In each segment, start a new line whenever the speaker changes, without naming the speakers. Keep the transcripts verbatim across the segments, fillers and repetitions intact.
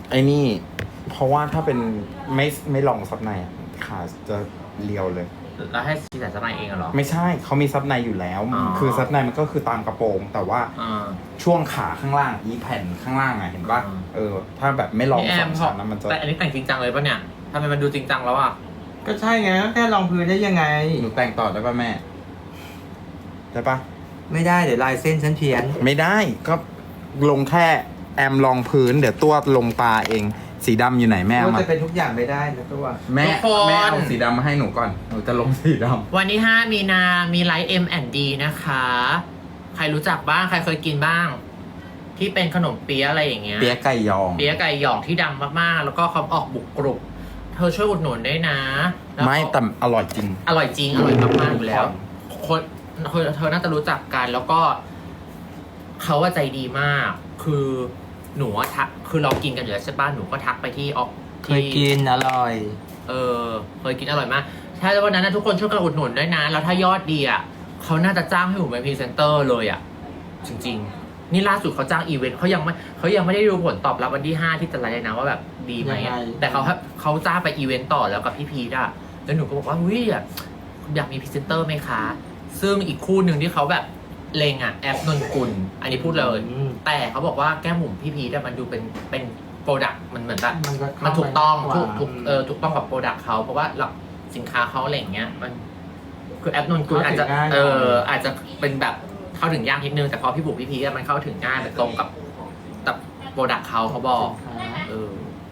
ไอ้นี่ เพราะว่าถ้าเป็นไม่ไม่ลองซับในอะขาจะเรียวเลย
แล้วให้ซีแต่ซับในเองเหรอ
ไม่ใช่เขามีซับในอยู่แล้ว
อ๋อ
คือซับในมันก็คือตามกระโปรง แต่ว่า
อ่า
ช่วงขาข้างล่างอีแผ่นข้างล่างอะเห็นป่ะ
อ่า
เออ ถ้าแบบไม่ลอง
พี่แอ
สอ
ม
งชั้นนะมันจะ
แต่อันนี้แต่งจริงจังเลยปะเนี่ยทำไมมันดูจริงจังแล้วอ่ะ
ก็ใช่ไงก็แค่รองพื้นได้ยังไง
หนูแต่งต่อได้ป่ะแม่ได้ป่ะ
ไม่ได้เดี๋ยวลายเส้นฉันเพี้ยน
ไม่ได้ก็ลงแค่แอมรองพื้น เดี๋ยวตัวลงตาเอง สีดำอยู่ไหนแม่เอา
ก็
มา
จะเป็นทุกอย่างไม่ได้นะตัว
แม่
ทุกคน
แม่เอาสีดำมาให้หนูก่อนหนูจะลงสีด
วันที่ห้ามีนา มีไลฟ์ เอ็ม แอนด์ ดี นะคะ ใครรู้จักบ้าง ใครเคยกินบ้าง ที่เป็นขนมเปี๊ยะอะไรอย่างเงี้ย
ำเปี๊ยะไก่ยอง
เปี๊ยะไก่หยองที่ดังมากๆ แล้วก็เขาออกบุกกรุบ เธอช่วยอุดหนุนด้วยนะแล้ว
ไม่แต่อร่อยจริง
อร่อยจริง อร่อยมากๆอยู่แล้ว คนเธอเธอน่าจะรู้จักกัน แล้วก็เขาว่าใจดีมาก คือหนูอะทัก คือเรากินกันอยู่แล้วใช่ป่ะ หนูก็ทักไปที่ออก
เคยกินอร่อย
เออเคยกินอร่อยมาก ถ้าวันนั้นนะทุกคนช่วยกันอุดหนุนด้วยนะ แล้วถ้ายอดดีอ่ะเขาน่าจะจ้างให้หนูเป็นพรีเซนเตอร์เลยอ่ะ จริงๆ นี่ล่าสุดเขาจ้างอีเวนต์เขายังไม่เขายังไม่ได้ดูผลตอบรับวันที่ห้าที่จะไลฟ์เลยนะว่าแบบดีไหม
ยัง
อะ
ไง
แต่เขาเขาจ้างไปอีเวนต์ต่อแล้วกับพี่พีทอ่ะแล้วหนูก็บอกว่าวิอ่ะอยากมีพรีเซนเตอร์ไหมคะ ซึ่งอีกคู่หนึ่งที่เขาแบบเลงอ่ะแอปนนกุลอันนี้พูดเลย
อืม
แต่เขาบอกว่าแก้มหมุมพี่พีทอะมันดูเป็นเป็นโปรดักต์มันเหมือนแบบ
มันก็
มันถูกต้อง
เข้า
ถู
มาก กว่า
ถูกเออถูกต้องกับโปรดักต์เขาเพราะว่าหลักสินค้าเขาอะไรอย่างเงี้ยมันคือแอปนนกุลอาจจะเอออาจจะเป็นแบบเข้าถึงยากนิดนึงแต่พอพี่บุ๋มพี่พีอะมันเข้าถึงง่ายแบบตรงกับกับโปรดักต์เขาเขาบอกเออ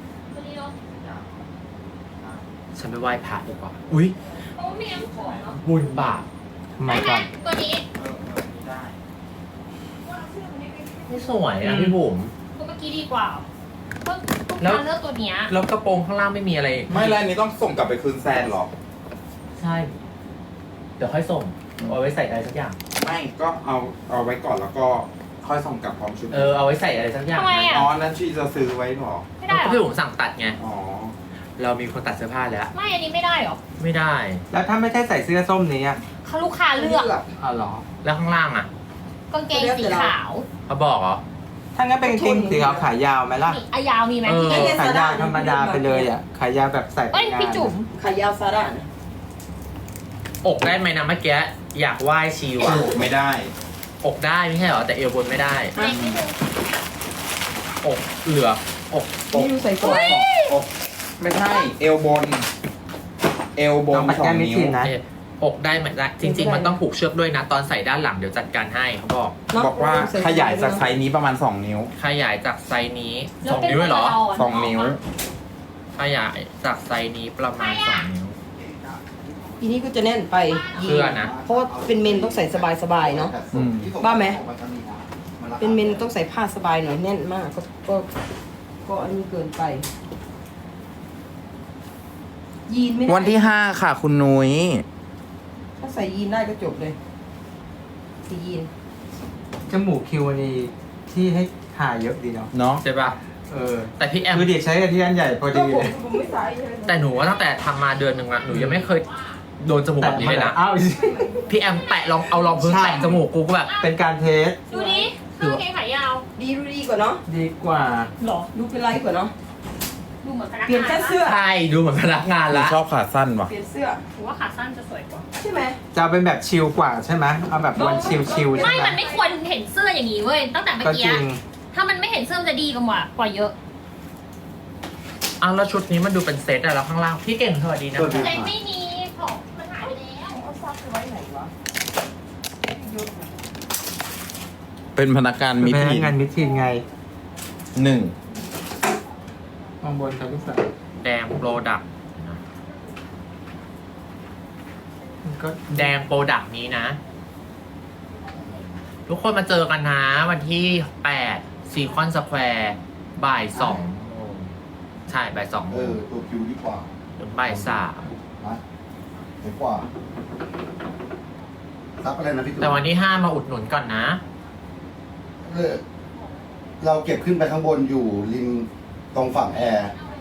ฉันไปไหว้พระดีกว่าอุ้ย
โอ้มีน้ำขอเนาะ
บุญบาป
ทำไม
ได้ไหม
ก่อน
ตัวนี้
ไม่สวยนะพี่บุ๋ม
ตัวเมื่อกี้ดีกว่าเพราะลูก
แล้ว
ค้าเลือกตัวเนี้ย
แล้วกระโปรงข้างล่างไม่มีอะไร
ไม่แล้วอันนี้ต้องส่งกลับไปคืนแซนหรอ
ใช่ เดี๋ยวค่อยส่งเอาไว้ใส่อะไรสักอย่าง
ไม่ก็เอาเอาไว้ก่อนแล้วก็ค่อยส่งกลับพร้อมชุด
เออเอาไว้ใส่อะไรสักอย่าง
ทำไมอะ
อ๋อนั่นชีจะซื้อไว้หรอ
ไม่ได้เหร
ก็พี่
อ
บุ๋มสั่งตัดไง
อ๋อ
เรามีคนตัดเสื้อผ้าแล้ว
ไม่อันนี้ไม่ได้เหรอ
ไม่ได้
แล้วถ้าไม่ใช่ใส่เสื้อส้มนี้อ่ะ
เขาลูกค้าเลือก
อ๋อเหรอ
แล้วข้างล่างอ่ะ
กางเกงสีขาว
เขาบอกเหรอ
ถ้างั้นเป็นกางเกงสีขาวขายาวไหมล่ะ
นี่อายาวมีไหม
เออ
พี่
ขายาวธรรมดาไปเลยอ่ะ ขายาวแบบใส่ไป
เอ้ย
งาน
พี่จุ๋ม
ขายาวซาร่านะ
อกได้ไหมนะเมื่อกี้อยากไหว้ชิวอะ
ไม่ได้
อกได้ไม่ใช่เหรอแต่เอวบนไม่ได้
เล็กนิดนึง
อกเหลืออกอก
นี่อยู่ใส่กรอบ
อกไม่ใช่ เอวบน เอวบน
ต้องปัด
สอ
แก้
ง
มไม่
นิ้ว
ชินนะ
เอ่ออกได้เหมือนกันจริง ๆ มันต้องผูกเชือกด้วยนะ ตอนใส่ด้านหลังเดี๋ยวจัดการให้เขาบอก
บอกว่าขยายจากไซส์นี้ประมาณสองนิ้ว
ขยายจากไซส์นี้
แล้
ส
ว
อง
เป็น
นิ้วเลยเหรอ
เราะ
สองนิ้ว
ขยายจากไซส์นี้ประมาณสองนิ้ว
ทีนี้ก็จะแน่นไป
เสื้อนะ
เพราะว่าเป็นเมนต้องใส่สบายๆเนาะ
อืม
บ้าไหม เป็นเมนต้องใส่ผ้าสบายหน่อยแน่นมาก ก็ก็ก็อันนี้เกินไป ยีนไม่ได้
วันที่ห้าค่ะคุณนุ้ย
ถ้าใส่ยีนได้ก็จบเลยสียีน
จมูกคิวอันนี้ที่ให้ทาเยอะดีเนาะ
เนาะ
ใช่ปะ
เออ
แต่พี่แอม
คือเด็กใช้กันที่อันใหญ่พอ
ก็
ดี
ผม
เลย
ผมไม่ใส่เลย
แต่หนูว่าตั้งแต่ทำมาเดือนหนึ่งอะหนูยังไม่เคยโดนจมูกแบบนี้เลยนะ
อ้าว
พี่แอมแตะลองเอาลองพื้น
ใช่
แตะจมูกกูก็แบบ
เป็นการเทส
ดูดิเสื้อกางเกงขายาว
ดีดูดีกว่าเนาะ
ดีกว่า
หรอ
ดูเป็นไรกว่าเนาะ
ดูเหมือนพนักงาน
เปลี่ยนแค่เสื้อ
ใช่ดูเหมือนพนักงาน
หนู
ละ
ชอบขาสั้นว่ะ
เปลี่ยนเสื้อ
ถือว่าขาสั้นจะสวยกว่า
ใช่ไหม
จะเอาเป็นแบบชิลกว่าใช่ไหมเอาแบบวันชิลชิลๆใช่
ไม่
ไหม
มันไม่ควรเห็นเสื้ออย่างนี้เว้ย ตั้งแต่เมื่อ
ก็
กี้
จริง
ถ้ามันไม่เห็นเสื้อมันจะดีกว่ากว่าเยอะ
อ้าวแล้วชุดนี้มันดูเป็นเซตอะแล้วข้างล่างพี่เก่งสวัสดีนะ
สวัสดี
เลยไม่มีของมันหายไปแล้ว
เอาซักไปไว้ไหนวะเยอะนะ
เป็นพนักงานมิ
เป็นพ
ที
นักงานมิทีนไง
หนึ่ง
มองบนครับลูกสาว
แดงโปรดักต์
มันก็
แดงโปรดักต์นี้นะ ทุกคนมาเจอกันนะ วันที่แปดซีคอนสแควร์บ่ายสองโมงใช่บ่ายสองโม
เอง อ ตัวคิวดีกว่า
ถึงบ่ายสาม
นะเห็นกว่าซับอะไรนะพี่ตุ๊
แต่วันที่ห้ามาอุดหนุนก่อนนะ
เออเราเก็บขึ้นไปข้างบนอยู่ริมตรงฝั่งแอร์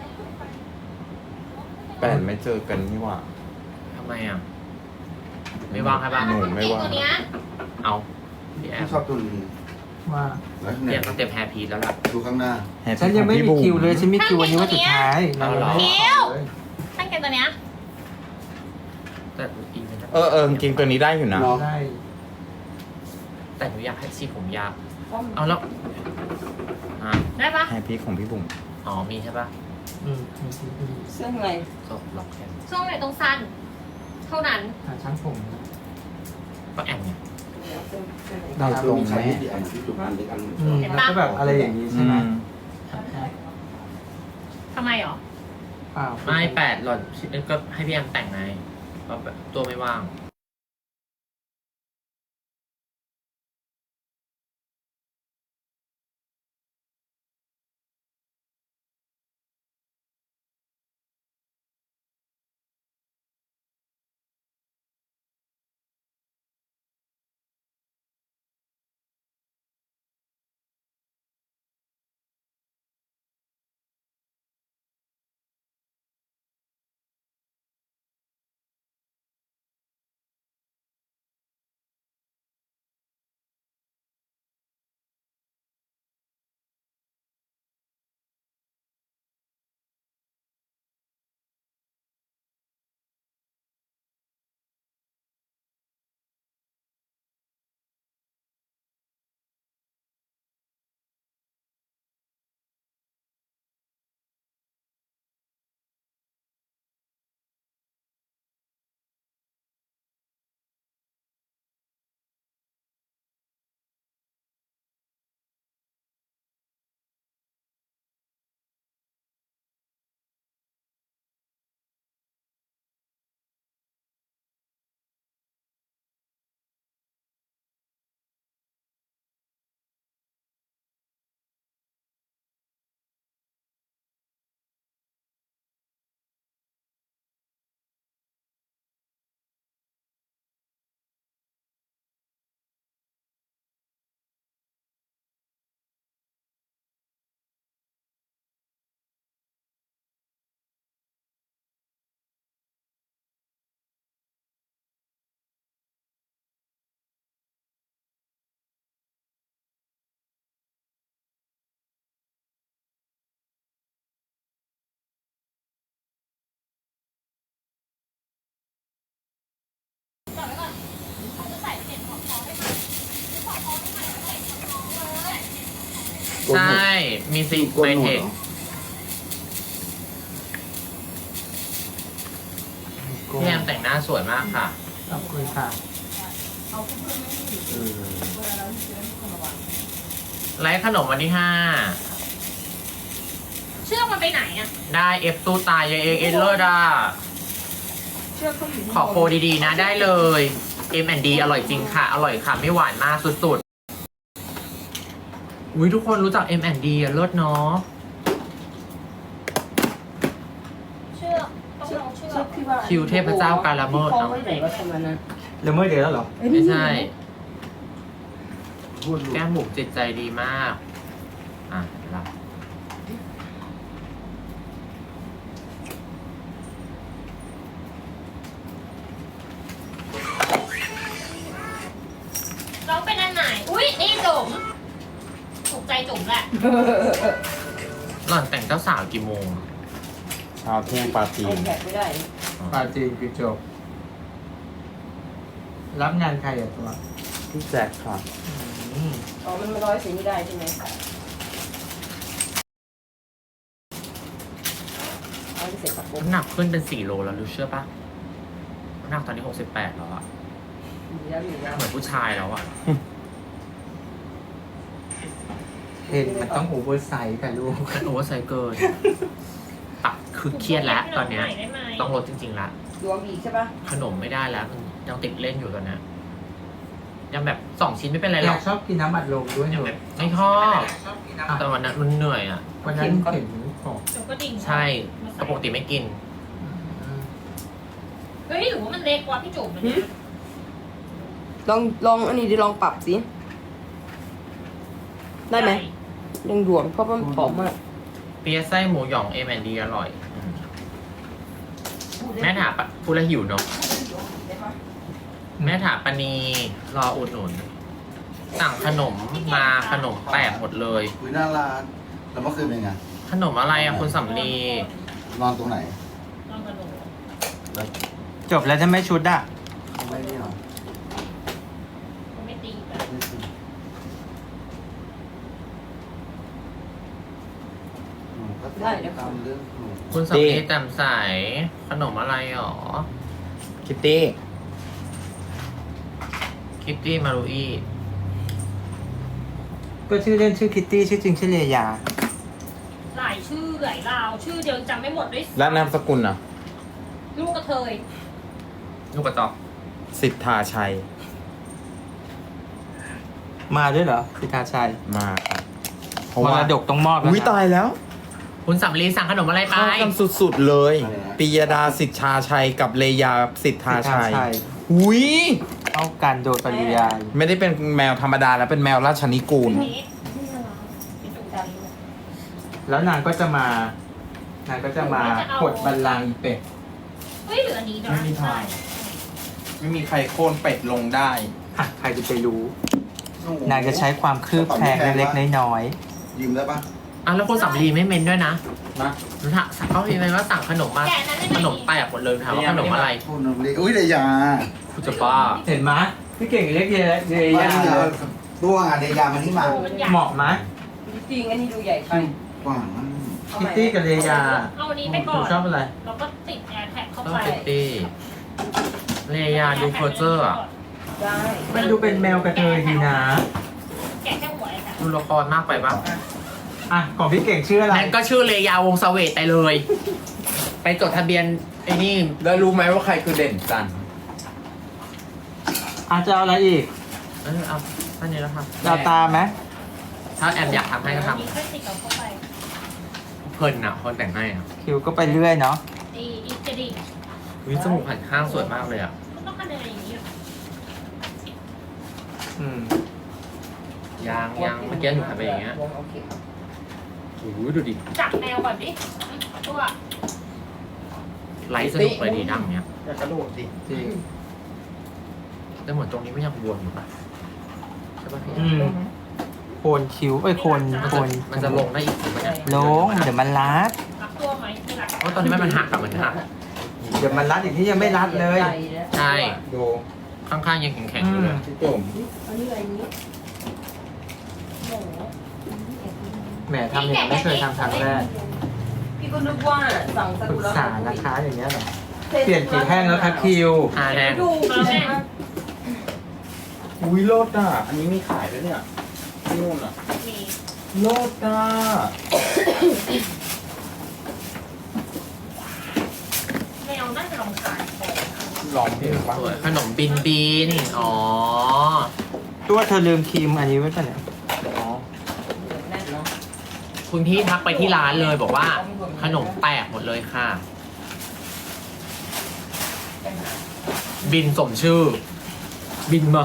แปดไม่เจอกันนี่หว่า
ทำไมอ่ะ ไม่ว่างใช่ปะ
หนูไม่ว่าง
ตัวเนี้ย
เอาพี่แอม
ที่ชอบตัวนี้
ว่า
แล้ว
เต
เนี่
รีย
ย
มต้องเตรียมแฮร์พีซแล้วล่ะ
ดูข้างหน้า
Happy
ฉันยังไม่
ของ
มี
พี่บุ๋
คิวเลยฉันมีคิววันนี้วันสุดท้าย
เอาเหรอ
ไม่ได้ขอเลย
ตั้งแต่ตัวเนี้ย
แต่อีเวนต์
เออเออจริงๆตัวนี้ได้อยู่นะ
เนาะ
ได้
แต่หนูอยากให้สีผมยาวเอาแล้วอ่ะ
ได้ปะ
แฮปปี้ของพี่บุ๋ม
อ๋อมีใช่ปะ
อืมมีคิวพอดี
เสื้อข้างใน
จบล็อกแค่
ช่วงไหนต้องสั้น เท่านั้น
หาช่างผมนะ
ก็แอมเนี่ย
เสื้อเสื้อใน
ได้ตรง
มีใช้
แม่
ที่อันที่จุกอันเล็กอัน
อืมแล้วก็แบบอะไรอย่างนี้ใช่ไหม
ทำไมหรอ
เปล่า
ไม่แปดหล่อนก็ให้พี่แอมแต่งไงก็แบบตัวไม่ว่างใช่มีซิกไมเทคพี่แอมแต่งหน้าสวยมากค่ะ
ขอบคุณค่ะ
ไลฟ์ขนมวันที่ห้า
เชือกมันไปไหนอะ
ได้เอฟตู้ตายเอเอเลอร์ดา
เชือกเขาอยู่
ขอโคดีๆนะได้เลย เอ็ม แอนด์ ดี อร่อยจริงค่ะ อร่อยค่ะ ไม่หวานมากสุดๆ อุ้ยทุกคนรู้จัก เอ็ม แอนด์ ดี อ่ะเลิศเนาะ
เชือกต้องลองเชือ
เชือก กที่ว่า
คิวเทพเจ้ากาลาเมิด
ที่เขาไว้ไหนว่าประมาณนั้น
แล้วเมื่อเดือนแล้วเหรอ
ไม่ใช่
พูด
แก้มบุกจิตใจดีมาก อ่ะรับ
เราเป็นอันไหน อุ้ยนี่จุ๋มถูกใจจุ๋มแหละ
หล่อนแต่งเจ้าสาวกี่โมง
เช้าเที่ยงปาร์ตี้
ไอแพดไม่ได้
ปาจีนคือจบ รับงานใครอ่ะตัว
พี่แจ็คค่ะ
อืม
อ๋อมันมาร้อยสีไม่ได้ใช่ไหมเอาที่เสร็จปะปุ๊บ
น้ำหนักขึ้นเป็นสี่โลแล้วรู้เชื่อปะน้ำหนักตอนนี้หกสิบแปดแล้วอะ
มีแล้วมีแล้ว
เหมือนผู้ชายแล้วอะ
เห็นมันต้องโอเวอร์ไซส์ค่ะลูก
มันโอเวอร์ไซส์เกินตักคือเครียดแล้วตอนเนี้ย
ได้ไหม
ต้องลดจริงๆละ
รวมอีกใช่ปะ
ขนมไม่ได้แล้วมันยังติดเล่นอยู่ตอนเนี้ยยังแบบสองชิ้นไม่เป็นไรห
อ
ร
ยา
อก ก
ชอบกินน้ำอัดลมด้วยห
ยั
นู
งแบบไม่ชอบ แต่วันนั้นมันเหนื่อยอ่ะ
วันนั้นเห็นของ
จุ๋มก็ดิ่ง
ใช่แต่ปกติไม่กิน
เฮ้ยหรือว่ามันเล็กกว่าพี่จุ๋มมันเนี่ย
ลองลองอันนี้ดิลองปรับสิได้ไหมยังหลวมเพราะว่ามันผอมมาก
เปียะไส้หมูหยองเอแมนดีอร่อยอืมแม่ถาปะพูดแล้วหิวเนาะแม่ถาปณีรออุดหนุนสั่งขนมมาขนมแตกหมดเลย
คุยหน้าร้านแล้วเมื่อคืนเป็นไง
ขนมอะไรอะคุณสำลี
นอนตรงไหน
ลองกระโดด
แล้ว
จบแล้วจะไม่ชุดอ่ะ
เขาไม่ได้หรอ
มันไม่ตีแบบ
ไม่คือหนูก็ตามเรื่องหนู
คุณสำลีแจ่มใสขนมอะไรหรอ
คิตตี้
คิตตี้มารุอี
ก็ชื่อเล่นชื่อคิตตี้ชื่อจริงชื่อเลยา
หลายชื่อหลายราวชื่อเดียวจำไม่หมดด้วย
และนามสกุลอ่ะ
ลูกกระเทย
ลูกกระจอก
สิทธาชัย
มาด้วยเหรอสิทธาชัย
มาครับเพราะ
ม
ว่าร
ดกต้องมอบแล้ว
อุ้ย
นะ
ตายแล้ว
คุณสำลีสั่งขนมอะไรไป
เข้ากันสุดๆเลยปิยดาสิทธาชัยกับเลยาสิทธาชัย อุ้ย
เข้ากันโดยปริยาย
ไม่ได้เป็นแมวธรรมดาแล้วเป็นแมวราชนิกูล
นี้เป็นตุ่มดำ
แล้วนางก็จะมานางก็จะมากดบัลลังก์อีเป็ด
เฮ้ยเหลืออันนี้นะ
ไม่มีทาง ไม่มีใครโค่นเป็ดลงได้
อ่ะใครจะไปรู้ นางจะใช้ความคืบแคลงเล็กๆน้อย
ยืมได้ปะ
อ่ะแล้วคุณสำลีไม่เมนด้วยนะ
นะ
สั่งเขาพิมพ์ไปว่าสั่งขนมมา
แกะนั้นได้
ข
ไหม
นมแตกหมดเลยถามว่าขนมอะไร
พูดนมเล็กอุ้ยเลยยา
คุณจะบ้า
ๆ เห็นไหมยพี่เก่งเล็กเยอะเย
ว่าย
า
นี่เอาตัวงานเลยยามันนี่มา
มันใหญ่
เหมาะไหม
จริงอันนี้ดูใหญ่ไป
กว้างมาก
คิตตี้กับเลยา
เอาอันนี้ไป
ห
ก่
นู
อน
ชอบอะไร
แล้วก็ติดแอร์แท็กเข้า
ต้อง
ไป
คิตตี้เลยาดูเพอร์เจอร์อะ
ได้
มันดูเป็นแมวกระเทยดีนะ
แกะแค่หัวไอ้ค่ะ
ดูละครมากไปปะ
อ่ะของพี่เก่งชื่ออะไร
นั่นก็ชื่อเลยาวงศ์เสวตไปเลย ไปจดทะเบียนไอ้นี่
แล้วรู้ไหมว่าใครคือเด่นจันทร์
อาจจะเอาอะไรอีก
เออเอาท่านนี้แล้วครับ
เราตามไหม
ถ้าแอมอยากทำให้ก็ท
มีแค่ติดเอาเข้าไป
ำเพลินอ่ะคนแต่งให้อ่ะ
คิวก็ไปเรื่อยเนาะ
ดีอีกจะดี
วิจมูกหันข้างสวยมากเลยอ่ะ
มันต้องคะแนนอย่างนี้
อืม
ยางยางเมื่อกี้หนูทำไปอย่างเงี้ย
โอเคครับ
โอ้โหดูดิ
จับแมวก่อนดิตัว
ไลฟ์สนุกเลยดีดังเนี้ย
อยากกระโดดดิ
จริง
แต่เหมือนตรงนี้ไม่ยังบวมอยู่ปะใช่ปะพี่
อืมโคนคิ้วเอ้ยโคน
มัน
โค
จะ
น
มันจะลงได้อีกถูกไหมเนี่ย
ลงเดี๋ยวมันรัด
รักตัวไหมที่รัก
เพราะตอนนี้มันหักกับมันหัก
เดี๋ยวมันรัดอีกที่ยังไม่รัดเลย
ใช่
ดู
ข้างๆยังแข็งๆอยู่เลย
พี่จุ๋ม
อันนี้อะไรนี้
หมู
แหมทำอย่างนี้ไม่เคยทำครั้งแรก
พี่ก็นึกว่าสั่งส
ปรึ
กุ
ก
ล
ษานะคะอย่างเงี้ยเหรอเปลี่ยนกี่แท่งแล้วคะคิว
อ่าแดง
ดูแม่
อุ้ยโลดอ่ะ อันนี้มีขายด้วยเนี่ยนู่นอ่ะ
มี
โลดอ่ะ
แมวน่าจะลองขายของ
ลองเพลงปะ
สวยขนมบินบินอ๋อ
ตัวเธอลืมครีมอันนี้ไว้ป่ะเนี่ย
อ๋อ
แน่นเนาะ
คุณพี่ทักไปที่ร้านเลยบอกว่า ขนมแตกหมดเลยค่ะ บินสมชื่อ บินมา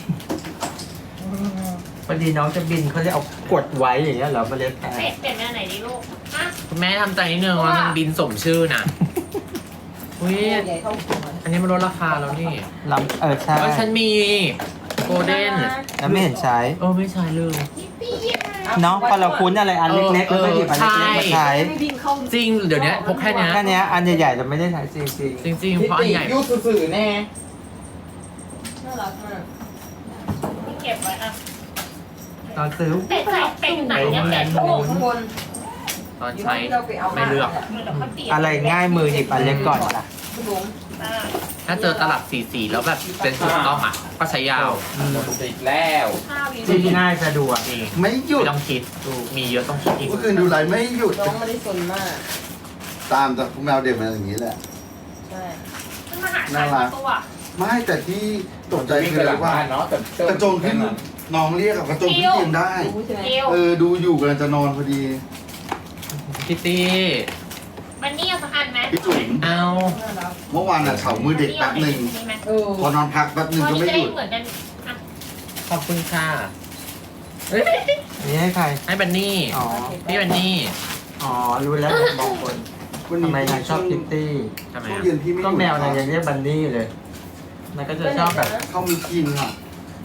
พอดีน้องจะบินเขาจะเอากดไว้อย่างเงี้ยเหรอเมล็ดแพ
เปลี่ยนเปลี่ยนแมวไหนดีลูกฮะ
คุณแม่ทำใจนิดนึงว่ามันบินสมชื่อนะอุ้ย
ใหญ่เท่าหัว
อันนี้มันลดราคาแล้วนี่
ลำเออใช่
แล้วฉันมีโกลเด้น
แล้วไม่เห็นใช้
เออไม่ใช่เลย
เนาะพอเราคุ้นอะไรอันเล็กๆแล้วก็หยิบอันเล็กๆมาใช้
ไม่บินเข้า
จริงเดี๋ยวนี้พกแค่เนี้ย
แค่เนี้ยอันใหญ่ๆเราไม่ได้ใช้จริง
จริงๆเพราะอันใหญ่
ยุคสื่อๆแน่
น่ารักมาก
ที่เก็บไว้อะ
ๆตอนซื้อ
เป็ดใส่เป็ดอยู่ไหนเนี่ยเป็ด
ข้าง
โอ้
บนข้างบน
ตอน
อยู่
ใช้
ที่เราไปเอา
ไม่เลือก
เดี๋ยวเขาเปลี่ยน
อะไรง่ายมือหยิบอันเล็กก่อนจ้ะ
คุณลุง
อ่า
ถ้าเจอตลับสีสีๆแล้วแบบเป็นถูกต้องอ่ะ ก็ใช้ยาว
อืม
ติดแล้ว
ข้าววี
ที่ง่ายสะดวก
นี่
ไม่หยุด
ไม่ต้องคิดดูมีเยอะต้องคิดอีก
เมื่อคืนดูไลฟ์ไม่หยุด
น้องไม่ได้สนมาก
ตามจากพวกแมวเด็กมาอย่างนี้แหละ
ใช่
มันมาหาขายตัว
ไม่แต่ที่ตกใจ
วิ่ง
คื
ไป
อ
ห
อะ
ลั
ไรง ว่า
บ้านเนาะแต่
กระโจนขึ้นน้องเรียกกับกระโจนขึ้นเตียงได้
รู้ใช่ไหม
เอว
เออดูอยู่กำลังจะนอนพอดี
คิตตี้
มันนี่เอาสักอันไหม
พี่จุ๋ม
เอา
น่ารัก
เมื่อวานน่ะเฉามือเด็กแป๊บหนึ่ง
มีไหม
เออ
พอนอนพักแป๊บหนึ่งก็ไม่หยุด
เหมือนกันอ่ะ
ขอบคุณค่ะ
อันนี้ให้ใคร
ให้บันนี่
อ๋อ
พี่บันนี่
อ๋อ รู้แล้วบางคน
วัน
ทำ
นี้
ไมนางชอบคิตตี้
ทำไม
ช่วง
อ่ะ
เย็นพี่ไม่ห
ก็
ยุด
แมวนางยังเรียกบันนี่เลย มันก็จะชอบแบบ
เขามีกินอ่ะ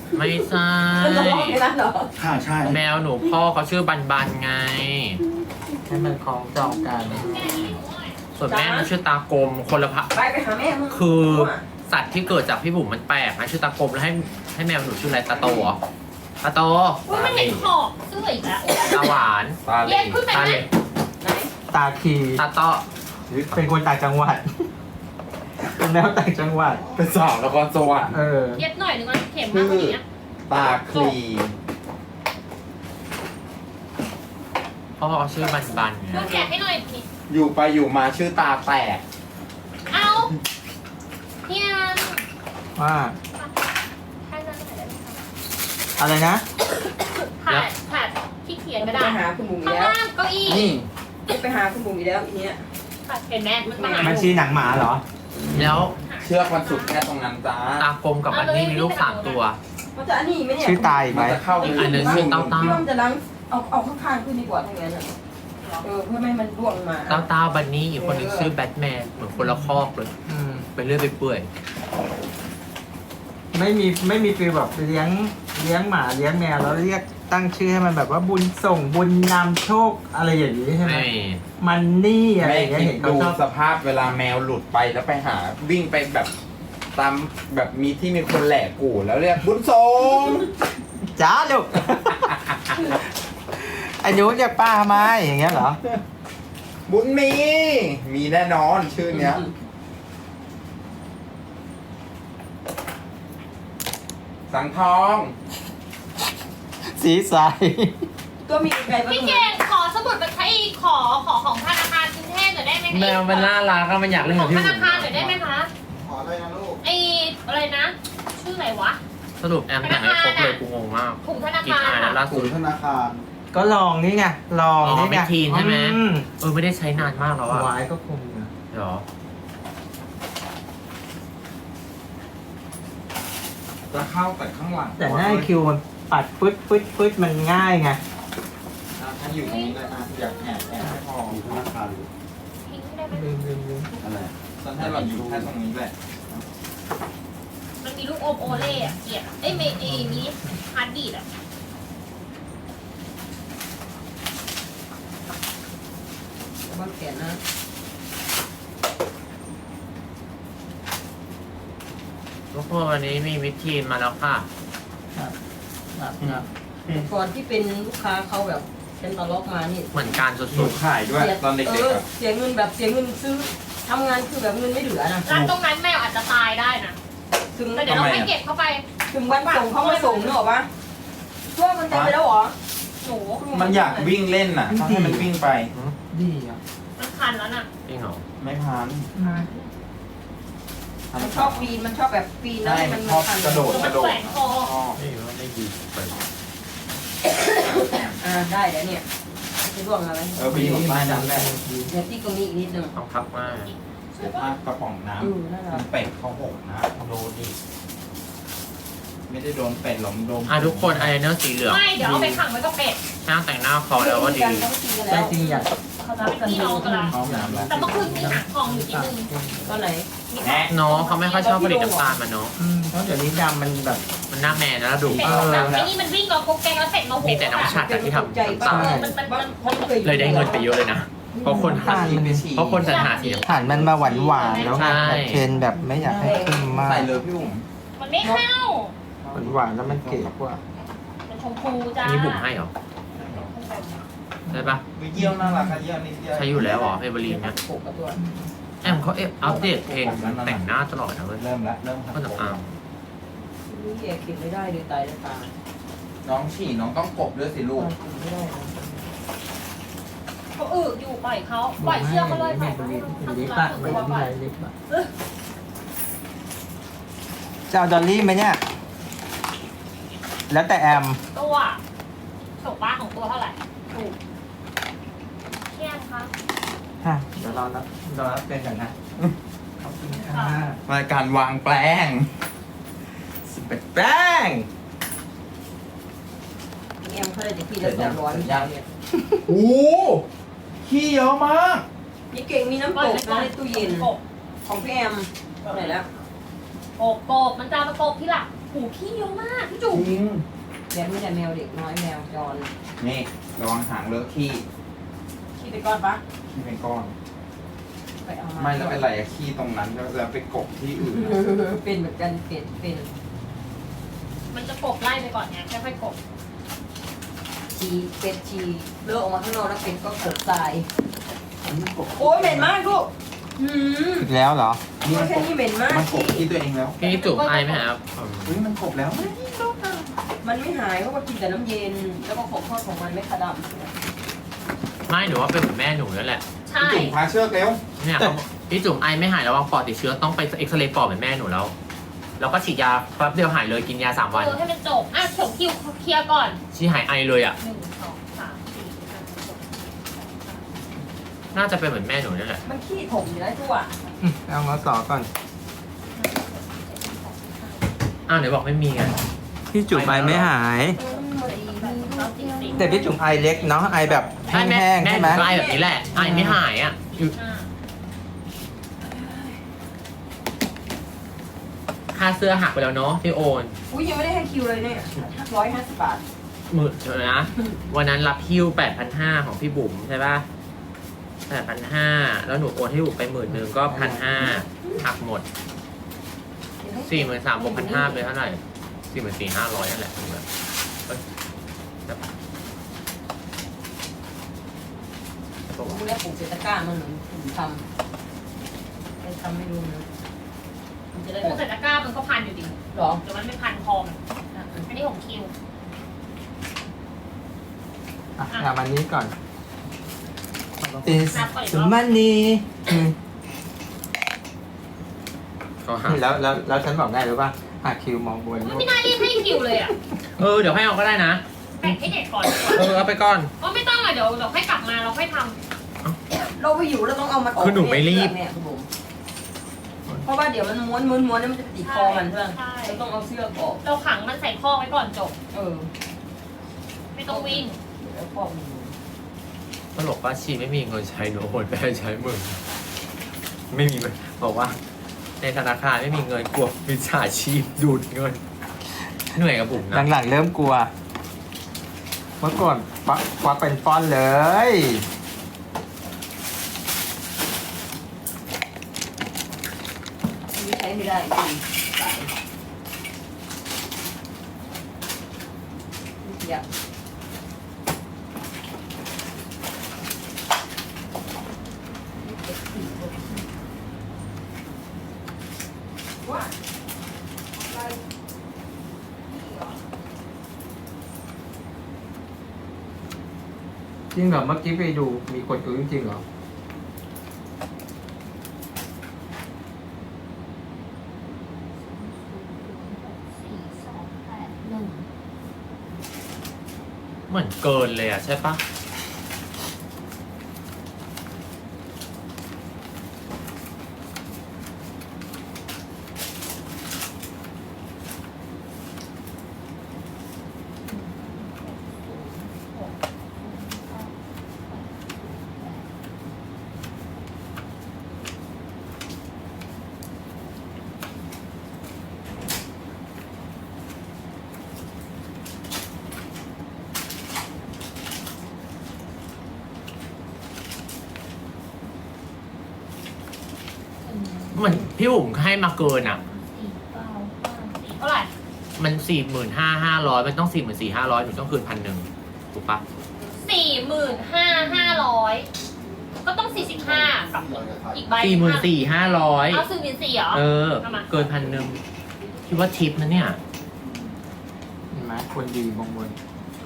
ไม่ใช่
มันจะร้องในนั้นเหรอ
ค่ะใช่
แมวหนูพ่อเขาชื่อบันบันไง
ให้มันคล้องจองกัน
ส่วนแม่มันชื่อตากลมคนละพะ
ไปไปหาแม่มึง
คือสัตว์ที่เกิดจากพี่บุ๋มมันแปลกนะชื่อตากลมแล้วให้ให้แมวหนูชื่ออะไรตาโตเหรอตาโต
อุ้ยมันเห็นขอบเสื้ออีกแล้ว
ตาหวาน
ตาเห
เย็
ล่
นขึ้นไป
ตา
ไหม
เหล็ก
ไหน
ตาคี
ตาเตาะ
เป็นคนต่างจังหวัดเป็นแมวต่างจังหวัด
เป็นสาวนครสวรรค์
เออ
เย็บหน่อยนึงมันเข็มมากกว่านี้นะ
ตาคลี
พ่อเขาชื่อบันบันไง
ช่วยแกะให้หน่อยนี่
อยู่ไปอยู่มาชื่อตาแตก
เอาเนี่ย
ว่า
ให้นั่งหน่อยได้ไหมคะ
อะไรนะ
แผดแผดที่เขียนกระ
ไป
ดาษ
หาคุณบุ๋มอี
ข้าก ง
แล้ว
ล่างเก้าอี้
นี่
ไปหาคุณบุ๋มอีกแล้วอีเนี้ย
เห็นไหมมันมาหา
มันชีหนังหมาเหรอ
แล้ว
เชือกมันสุดแค่ตรงนั้นจ้า
ตากลมกับบันนี่มีลูกสามตัว
มันจะอันนี้ไหมเนี่ย
ชื่อตายอีกไห
มั
ม
นจะเข้า
อีกอันหนึ่งชื่อเต้าเต้า
พี่ว่ามันจะล้างเอาเอาข้างๆขึ้นดีกว่าทั้งนั้นอ่ะเออเพื่อไม่ให้มันร่วงมา
เต้าเต้าบันนี่อีกคนหนึงชื่อแบทแมนเหมือนคนละคอกเลย
อืม
ไปเรื่อยไปเปื่อย
ไม่มีไม่มีฟีลแบบเลี้ยงเลี้ยงหมาเลี้ยงแมวแล้วเรียกตั้งชื่อให้มันแบบว่าบุญส่งบุญนำโชคอะไรอย่างนี้ใช่ไหม
ไม่
มันนี่อะไร
แม่
อย่างเงี้ย
คิด
เห็นเขา
ดู
ชอบ
สภาพเวลาแมวหลุดไปแล้วไปหาวิ่งไปแบบตามแบบมีที่มีคนแหลกกู่แล้วเรียกบุญทรง
จ้าลูก อันนู้นเรียกป้าทำไมอย่างเงี้ยเหรอ
บุญมี มีแน่นอนชื่อเนี้ย สังทอง
สีใส
ก็มีใครบ้าง
พี่เก่งขอสมุดบัญชีขอขอของธนาคารกรุงเทพหน่อยได้ไหมคะ
แมวมันน่ารักก็มันอยากเล่น
ข
กั
อบ ง
พี่
ธ
บุ๋
นาม คารหน่อยได้ไหมคะ
ขออะไรนะลูก
ไออะไรนะ ชื่ออะไรวะ
สรุปแอมแต่งให้ครบเลยกูงงมาก
ถุงธนา
กิน
คาร
อายแล้ว
อะ
ล่า
ศู
สุด
นย์ธนาคาร
ก็ลองนี่ไงลอง
อ๋อ
นี่ไง
ไม่ทีนใช่ไหม
อื
เออไม่ได้ใช้นานมากแล้วอะ
วายก็คงนะ
เหรอ
จะเข้าแต่ข้างหลัง
แต่หน้าคิวมันปัดปึ๊ดปึ๊ดปึ๊ดมันง่ายไง
อ่ะถ้าอยู่ตรงนี้เลยอ่ะอยากแอบแอบให้พอ
ศูนย์ธนาคาร
ทิ้งได้ไหม
ลืมลืมลืม
อะไร
ฉันให้เราอยู่แค่ตรงนี้แหละ
มันมีลูกอมโอเล่อะเกลียดอะเอ้ยเมเอมินิฮาร์ดบีดอะ
บางแขนนะ
ทุกคนวันนี้มีวิธีมาแล้วค่ะ
ครับครับครับ
ก่อนที่เป็นลูกค้าเขาแบบเซ็นตล็อกมานี่
เหมือนการสุ
หนู
ด
ขายด้วย
สี
ตอนเด็ก
เอ
ๆ
อ
อ่ะ
เสียเงินแบบเสียเงินซื้อทำงานคือแบบเงินไม่เหลือนะ
ร้านตรงนั้นแมวอาจจะตายได้นะ
ถึง
แต่เดี๋ยวเราให้เก็บเข้าไป
ถึงวันส่งเขามาส่งนึกออกปะช่วงมันเต็มไปแล้วเหรอ
หนู
มันอยากวิ่งเล่นน่ะต้องให้มันวิ่งไป
ดีอ่ะ
มันคันแล้วน่ะ
ๆจริงเหรอ
ไม่พัน
มันชอบปีนมันชอบแบบปีนแล้ว
ใช่
มัน
ชอบ
คัน
กระโดด
มันแขวนคอ
อ๋อ
ไม่ว่าไม่ดีไป
อ่าได้แล้วเนี่ยจะร่วงมาไหม
เออไปอยู่ใต้นั้นแหละ
เดี๋ยวที่ตรงนี้อีกนิดนึง
ต้องพักมาก
เดี๋ยวถ้ากระป๋องน้
อืมนั่นแห
ำ
ละ
มันเป็ดเขาหกนะโดนดิไม่ได้โดนเป็ดหรอกโดน
อ่ะทุกคนอายไลเนอร์สีเหลือง
ไม่เดี๋ยวเอาไปขังไว้กับเป็ด
ช่างแต่งหน้าคอแล้วว่าดี
ต้องตีกัน
ใจ
แล้ว
จริงอยาก
เขาจะเป็นพี่น้องกันละ
ห้องน้ำแล้ว
แต่เมื่อคืนมีหางทองอยู่นิดนึง
ก็ไหน
แนะ
เนาะเขาไม่ค่อยชอบผลิตน้ำตาลมาเนาะ
อืมเพราะเดี๋ยวนี้ดำมันแบบ
มันหน้าแมนแล้วดุ
เป็ด
เออ
แบบไอ้นี่มันวิ่งเรากุ๊กแกงแล้วเสร็จมาโห
มีแต่น้องฉัดอะที่ทำน้ำตาล
มันมันมัน
มันเคย
เลยได้เงินไปเยอะเลยนะ เพราะคนหา
ยิงไปฉี่
เพราะคนสรรหาสีน้ำตาล
ผ่านมันมาหวานหวานๆแล้วไง
ใช่
แบบเทรนแบบไม่อยากให้เข้มมาก
ใส่เลยพี่บุ๋ม
มันไม่เข้า
หวานหวานๆแล้วมันเก๋กว่า
มันชมพูจ้า
อันนี้บุ๋มให้เหรอใช่ปะ
วิเยี่ยวน่ารักอะเยี่ยวนิดเดียว
ใช้อยู่แล้วเหรอเอเวอรีนเนี่ย
ปกกับตัว
แอมเขาเอฟอัปเดตเพลงแต่งหน้าตลอดนะเว้ย
เริ่มแล้วเริ่ม
ก็จะอาม
นี่แกเก็บไม่ได้เลยตายแล้วตา
น้องฉี่น้องต้องกบด้วยสิลูก
เก็บไม่ได้นะ
เขาอึอยู่ปล่อยเขาปล่อยเชือกเขาเลยปล่อยเขา
เป็น
ทำ
ลิป
ร้า
อะ
น
ไม่
ตัว
เป็น
ปล่อย
ไรลิปอะจะเอาดอลลี่ไหมเนี่ย แล้วแต่แอม
ตัวถูกป้าของตัวเท่าไหร่ถูกเที่ยงคะ
ฮะเดี๋ยวรอรับรอรับเป็นกันนะขอบคุณค่ะ
รายการวางแปลง
สิบแปดแป้ง
แอมเขาได้แต่พี่ละสองร้อยเนี่ย
โอ้ขี้เยอะมาก
นี่เก่งมีน้ำตกนะในตู้เย็น
กบ
ของพี่แอมไหนแล้ว
กบกบมันจะมากบที่หลังหูขี้เยอะมากพี่จุ๋ม
จริง
แบบไม่แต่แมวเด็กน้อยแมวจร
นี่ระวังหางเลอะขี้
ขี้ไปก้อนปะ
ขี้เป็นก้อน
ไปเอามา
ไม่แล้วอะไรอะขี้ตรงนั้นแล้วแล้วไปกบที่อื่นอะ
เป็นเหมือนกันเป็ดเป็น
มันจะกบไล่ไปก่อนไงค่อยๆกบ
ชีเป็ดชีเลอะออกมาข้างนอกแล้วเป็ดก็กดทราย
อันนี้กบ
โอ้ยเหม็นมากลูกหืม
อีกแล้วเหรอ
นี่มัน
แค่
กบ
นี้เหม็นมาก
มันกบที่ตัวเองแล้ว
พี่จุ๋มไอไหมครับอืม
เฮ้ยมันกบแล้ว
มันไม่หายเพราะว่ากินแต่น้ำเย็น แล้วก็ของทอดของมันไม่ขดำ
ไม่หนูว่าเป็นเหมือนแม่หนูนั่นแหละ
ใช่
จุ่มพาเชือกเร็ว
เนี่ยเขาพี่จุ๋มไอไม่หายระวังปอดติดเชื้อต้องไปเอ็กซเรย์ปอดเหมือนแม่หนูแล้ว แล้วก็ฉีดยาแป๊บเดียวหายเลยกินยาสามวัน
เออให้มันจบอ่ะเขียวคิวเคลียร์ก่อน
ชีหายไอเลยอ่ะ
หนึ่งสองสามสี่ห้าหก
น่าจะเป็นเหมือนแม่หนูนั่นแหละ
มันขี้ถมอยู่แล้วทั่ว
อืมเอางอสอก่อน
อ้าวไหนบอกไม่มีไง
พี่จุ๋มไอไม่หาย แต่พี่จุ๋มไอเล็กเนาะไอแบบแ
ใช่แม่
ห้งๆ
แม่
ใช่
ห
ไหม
นูก็ไอแบบนี้แหละไอไม่หายอ่ะ
อ่า
ค่าเสื้อหักไปแล้วเนาะพี่โอน
อุ้ยยังไม่ได้ให้คิวเลยเนี่ยร้อยห้าสิบบาท
หมื่นเดี๋ยวนะ วันนั้นรับฮิ้วแปดพันห้าของพี่บุ๋มใช่ป่ะแปดพันห้าแล้วหนูโอนให้บุ๋มไปหมื่นหนึ่งก็พันห้าหักหมดสี่หมื่นสามบวกพันห้าเป็นเท่าไหร่สี่หมื่นสี่ห้าร้อยนั่นแหละถูกไหมเอ้ยใช่ปะใช่ปะวะ
กูแล้วปลูกเศรษฐกร้ามันเหมือนผมทำเป็นทำไม่รู้นะมันจะได้
พวก
แบ
ใส่
บ
ตะกร้ามันก็พันอยู่ดี
หรอ
เดี๋ยวมันไม่พันคอมอันนี้ของคิว
อ่ะเอามันนี้ก่อน
Is the
money อืม
เขาหา
แล้วแล้วแล้วฉันบอกได้หรือป่ะหาคิวมองบน
ไม่น่ารีบให้คิวเลยอ่ะ
เออเดี๋ยวให้เอาก็ได้นะ
แบ่งให้เด็กก่อน
เออเอาไปก่อน
ก็ไม่ต้องอ่ะเดี๋ยวเดี๋ยวค่อยกลับมาเราค่อยท
เราไปอยู่เราต้องเอามันออก
คือหนูไม่รีบ
เนี่ยคุณบุ๋มเพราะว่าเดี๋ยวมันม้วนม้วนม้วนแล้วมันจะติดคอมันเพื่อน
ใช่
เราต้องเอาเสื้อออก
ำเราขังมันใส่ข้อไว้ก่อนจบ
เออ
ไม่ต้องวิ่ง
แล้วข้อมัน
ตลกว่าชีไม่มีเงินใช้หนูโอนไปให้ใช้มึงไม่มีเงินบอกว่า ในธนาคารไม่มีเงินกลัวมิจฉาชีพดูดเงินเหนื่อยกับบุ๋มนะ
หลังๆเริ่มกลัว เมื่อก่อนควักควักเป็นฟอนต์เลย
อันนี้ใช้ไม่ได้จริงตายอยากว่า
จริงเหรอเมื่อกี้ไปดูมีคนดูจริงๆเหรอ
เหมือนเกินเลยอ่ะใช่ปะเหมือนพี่บุ๋มให้มาเกินอ่ะ
เท่าไหร่
มันสี่หมื่นห้าห้าร้อยมันต้องสี่หมื่นสี่ห้าร้อยหนูต้องคืนพันหนึ่งถูกปะ
สี่หมื่นห้าห้าร้อยก็ต้องสี่สิบห้ากับอีกใบ
สี่หมื่นสี่ห้าร้อย
เอาสี่หมื่นสี่เหรอ
เออ
เอามา
เกินพันหนึ่งคิดว่าทิปนะเนี่ย
เห็นไหมคนดีมองบน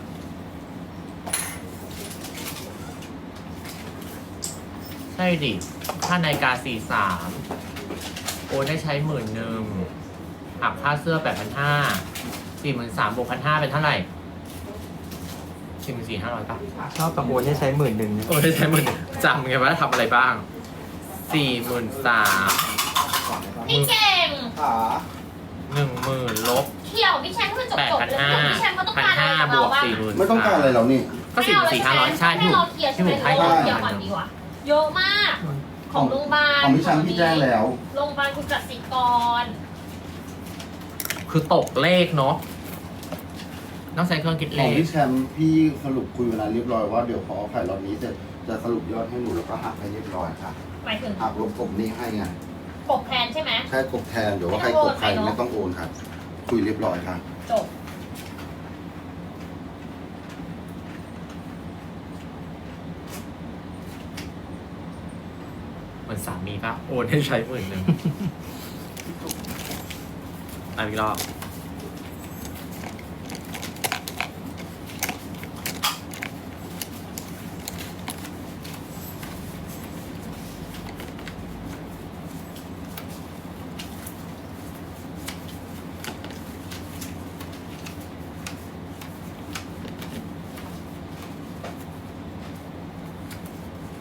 ใช่ดิค่านาฬิกาสี่สามโอนได้ใช้หมื่นหนึ่งหักค่าเสื้อแปดพันห้าสี่หมื่นสามบวกพันห้าเป็นเท่าไหร่สี่หมื่นสี่ห้าร้อยป่ะ
ชอบตะโกนให้ใช้หมื่นหนึ่งเนี่ย
โอนได้ใช้หมื่นจำไงว่าทำอะไรบ้างสี่หมื่นสาม
นี่เก่ง
ขา
หนึ่งหมื่นลบ
เขี่ยวพี่แชมป์ให้มันจบ
แปด
จบ
พัน
เลย
ห้า
พี่แชมป์เขาต้อง
พัน
การอะไร
ห้า
จาก
บ
เรา
วก
บ้าง
สี่หมื่น
ไม่ต้องการอะไรเรานี่
ก็สี่หมื่นสี่ห้าร้อยใช่
ให้
พี่
เราเคลียร์
พี่
ใช่ไหม
บุ๋มให้
เรา
ก่อน
เคลียร์ก่อนดีกว่าเยอะมาก ของโรงพยาบาล
ของพี่ชันพี่แจ้งแล้ว
โรงพยาบาลคุณกสิกร
คือตกเลขเนาะต้องใช้เครื่องคิด
ข
เล
อง
ข
พี่แชมป์พี่สรุปคุยเวลาเรียบร้อยว่าเดี๋ยวพอเอาไข่รอบนี้เสร็จจะสรุปยอดให้หนูแล้วก็หักให้เรียบร้อยค่ะ
หมายถึง
หักลบกบหนี้ให้ไง
กบแทนใช่ไหม
ใช่กบแทนเดี๋ยวว่าใครกบใครไม่ต้องโอนค่ะ คุยเรียบร้อยค่ะ
จบ
เหมือนสามีปะโอนให้ใช้หมื่นหนึ่ง อ่ะอีกรอบ